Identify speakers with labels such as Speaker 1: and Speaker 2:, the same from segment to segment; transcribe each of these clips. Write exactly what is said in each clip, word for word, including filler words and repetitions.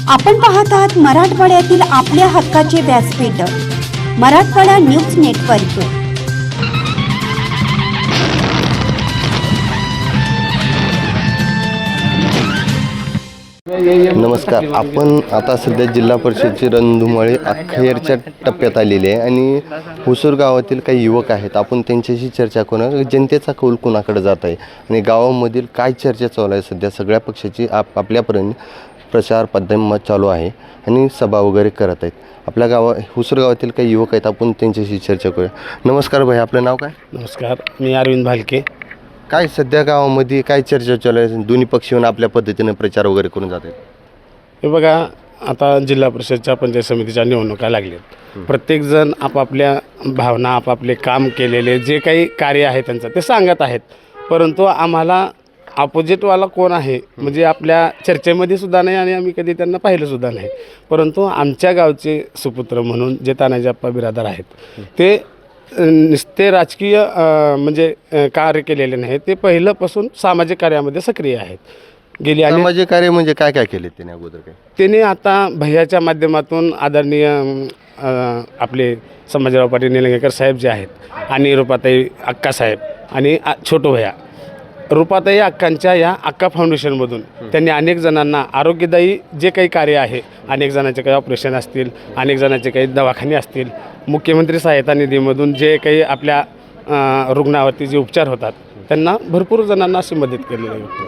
Speaker 1: आपण पाहत आहात मराठवाड्यातील आपल्या हक्काचे व्यासपीठ मराठवाडा न्यूज नेटवर्क।
Speaker 2: नमस्कार। आपण आता सध्या जिल्हा परिषदेची रणधुमाळी अखेरच्या टप्प्यात आलेली आहे आणि हुसूर गावातील काही युवक आहेत। आपण त्यांच्याशी चर्चा करू, जनतेचा कौल कोणाकडे जात आहे आणि गावामधील काय चर्चा चालू आहे। सध्या सगळ्या पक्षाची आप आपल्यापर्यंत प्रचार पद्धत चालू आहे आणि सभा वगैरे करत आहेत। आपल्या गावा हुसूर गावातील काही युवक आहेत, आपण त्यांच्याशी चर्चा करूया। नमस्कार भाई, आपलं नाव काय?
Speaker 3: नमस्कार, मी अरविंद भालके।
Speaker 2: काय सध्या गावामध्ये काय चर्चा चालू आहे? दोन्ही पक्ष येऊन आपल्या पद्धतीने प्रचार वगैरे करून जात आहेत।
Speaker 3: हे बघा, आता जिल्हा परिषदच्या पंचायत समितीच्या निवडणुका लागल्यात। प्रत्येकजण आपापल्या भावना, आपापले काम केलेले जे काही कार्य आहे त्यांचं ते सांगत आहेत, परंतु आम्हाला अपोजिटवाला कोण आहे म्हणजे आपल्या चर्चेमध्ये सुद्धा नाही आणि आम्ही कधी त्यांना पाहिलं सुद्धा नाही। परंतु आमच्या गावचे सुपुत्र म्हणून जे तानाजी आप्पा बिरादर आहेत ते नुसते राजकीय म्हणजे कार्य केलेले नाही, ते पहिल्यापासून सामाजिक कार्यामध्ये सक्रिय आहेत। गेली आणि
Speaker 2: सामाजिक कार्य म्हणजे काय काय केले त्याने अगोदर? काय
Speaker 3: त्याने आता भैयाच्या माध्यमातून आदरणीय आपले संभाजीराव पाटील निलंगेकर साहेब जे आहेत आणि रुपाताई अक्कासाहेब आणि छोटू भैया रुपाताई अक्कांच्या या अक्का फाउंडेशनमधून त्यांनी अनेक जणांना आरोग्यदायी जे काही कार्य आहे, अनेक जणांचे काही ऑपरेशन असतील, अनेक जणांचे काही दवाखाने असतील, मुख्यमंत्री सहायता निधीमधून जे काही आपल्या रुग्णावरती जे उपचार होतात त्यांना भरपूर जणांना अशी मदत केलेली आहे।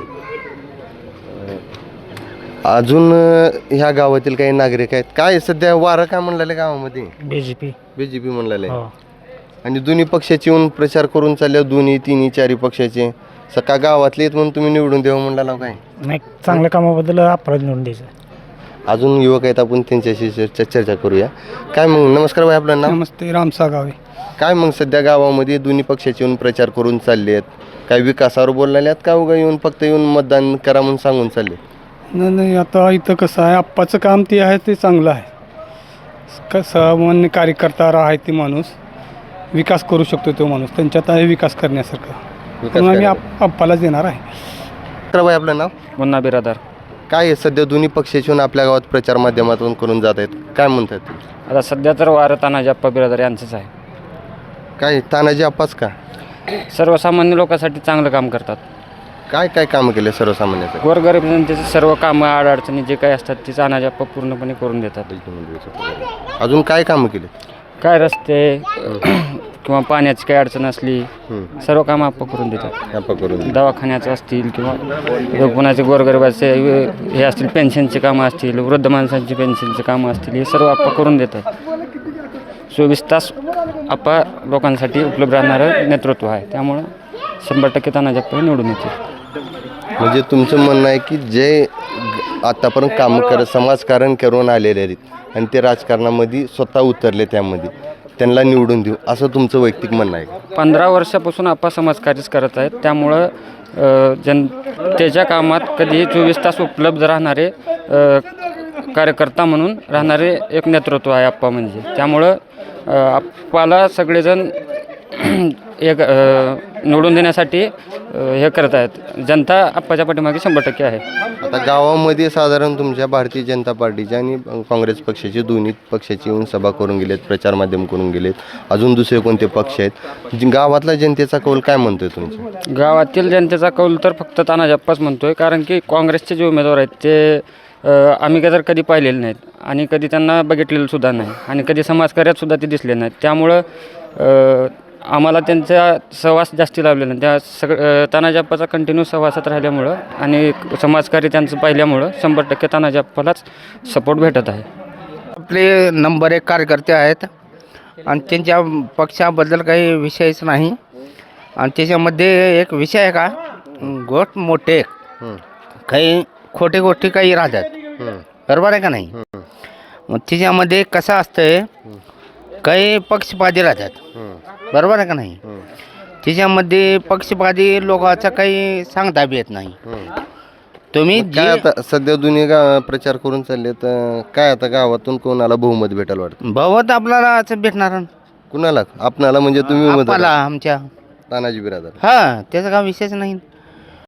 Speaker 2: अजून ह्या गावातील काही नागरिक आहेत, काय सध्या वारं काय म्हणलेलं गावामध्ये?
Speaker 3: बीजेपी
Speaker 2: बीजेपी म्हणलेलं आहे आणि दोन्ही पक्षाचे येऊन प्रचार करून चालले, दोन्ही तिन्ही चारी पक्षाचे। सका गावातले येत म्हणून तुम्ही निवडून द्यावं म्हणला काय?
Speaker 3: नाही, चांगल्या कामाबद्दल अपराध निवडून द्यायचं।
Speaker 2: अजून युवक आहेत, आपण त्यांच्याशी चर्चा चर्चा करूया। काय मग? नमस्कार भाई, आपलं नाव?
Speaker 4: नमस्ते, रामसा गावे।
Speaker 2: काय मग सध्या गावामध्ये दोन्ही पक्षाचे येऊन प्रचार करून चालले आहेत, काय विकासावर बोललेले आहेत का उगा येऊन फक्त येऊन मतदान करा म्हणून सांगून चालले?
Speaker 4: नाही नाही, आता इथं कसं आहे, आप्पाचं काम ते आहे ते चांगलं आहे। कसं सामान्य कार्यकर्ता आहे ते माणूस, विकास करू शकतो तो माणूस, त्यांच्यात आहे विकास करण्यासारखं, म्हणून आम्ही आप आप्पालाच देणार आहे।
Speaker 2: तर भाई, आपलं नाव?
Speaker 5: मुन्ना बिरादार।
Speaker 2: काय आहे सध्या दोन्ही पक्षाचे येऊन आपल्या गावात प्रचार माध्यमातून करून जात आहेत, काय म्हणतात?
Speaker 5: आता सध्या तर वारं तानाजी आप्पा बिरादार यांचंच आहे।
Speaker 2: काय तानाजी आप्पाच का?
Speaker 5: सर्वसामान्य लोकांसाठी चांगलं काम करतात।
Speaker 2: काय काय कामं केले सर्वसामान्याचं?
Speaker 5: गोरगरीब जनतेचे सर्व कामं अडचणी जे काही असतात ते तानाजी आप्पा पूर्णपणे करून देतात।
Speaker 2: अजून काय कामं केले?
Speaker 5: काय रस्ते किंवा पाण्याची काही अडचण असली सर्व कामं आप्पा करून देतात।
Speaker 2: आप्पा करून
Speaker 5: दवाखान्याचं असतील किंवा कोणाचे गोरगरिबाचे हे असतील, पेन्शनचे कामं असतील, वृद्ध माणसांची पेन्शनचे कामं असतील, हे सर्व आप्पा करून देतात। चोवीस तास आप्पा लोकांसाठी उपलब्ध राहणारं नेतृत्व आहे, त्यामुळं शंभर टक्के तानाजी आप्पा निवडून येतील।
Speaker 2: म्हणजे तुमचं म्हणणं आहे की जे आतापर्यंत कामं करत समाजकारण करून आलेले आहेत आणि ते राजकारणामध्ये स्वतः उतरले, त्यामध्ये त्यांना निवडून देऊ असं तुमचं वैयक्तिक म्हणणं आहे?
Speaker 5: पंधरा वर्षापासून आप्पा समाजकार्यच करत आहेत, त्यामुळं जनतेच्या कामात कधीही चोवीस तास उपलब्ध राहणारे कार्यकर्ता म्हणून राहणारे एक नेतृत्व आहे आप्पा म्हणजे। त्यामुळं आप्पाला सगळेजण एक निवडून देण्यासाठी हे करत आहेत। जनता आप्पाच्या पाठीमागे शंभर टक्के आहे।
Speaker 2: आता गावामध्ये साधारण तुमच्या भारतीय जनता पार्टीच्या आणि काँग्रेस पक्षाचे दोन्ही पक्षाचे येऊन सभा करून गेलेत, प्रचार माध्यम करून गेलेत, अजून दुसरे कोणते पक्ष आहेत? गावातला जनतेचा कौल काय म्हणतोय तुमचा?
Speaker 5: गावातील जनतेचा कौल तर फक्त तानाजी आप्पाच म्हणतोय, कारण की काँग्रेसचे जे उमेदवार आहेत ते आम्ही तर कधी पाहिलेले नाहीत आणि कधी त्यांना बघितलेलं सुद्धा नाही आणि कधी समाजकार्यात सुद्धा ते दिसले नाहीत। त्यामुळं आम्हाला त्यांचा सहवास जास्ती लाभलेला नाही। त्या सगळं तानाजी आप्पाचा कंटिन्यू सहवासात राहिल्यामुळं आणि समाजकार्य त्यांचं पाहिल्यामुळं शंभर टक्के तानाजी आप्पालाच सपोर्ट भेटत आहे।
Speaker 6: आपले नंबर एक कार्यकर्ते आहेत आणि त्यांच्या पक्षाबद्दल काही विषयच नाही आणि त्याच्यामध्ये एक विषय आहे का, गोष्ट मोठे काही खोटे गोष्टी काही राहतात, बरोबर आहे का नाही? मग त्याच्यामध्ये कसं असतंय, काही पक्षपाती राहतात, बरोबर आहे का नाही? त्याच्यामध्ये पक्षपाती लोकांचा काही सांगता बी येत नाही। तुम्ही
Speaker 2: काय आता सध्या दोन्ही गाव प्रचार करून चालले, तर काय आता गावातून कोणाला बहुमत भेटायला वाटतं?
Speaker 6: बहुमत आपल्याला असं भेटणार
Speaker 2: कुणाला? आपणाला म्हणजे तुम्ही उमेदवार
Speaker 6: आम्हाला आमच्या
Speaker 2: तानाजी बिरादर?
Speaker 6: हां, त्याचा काय विषयच नाही।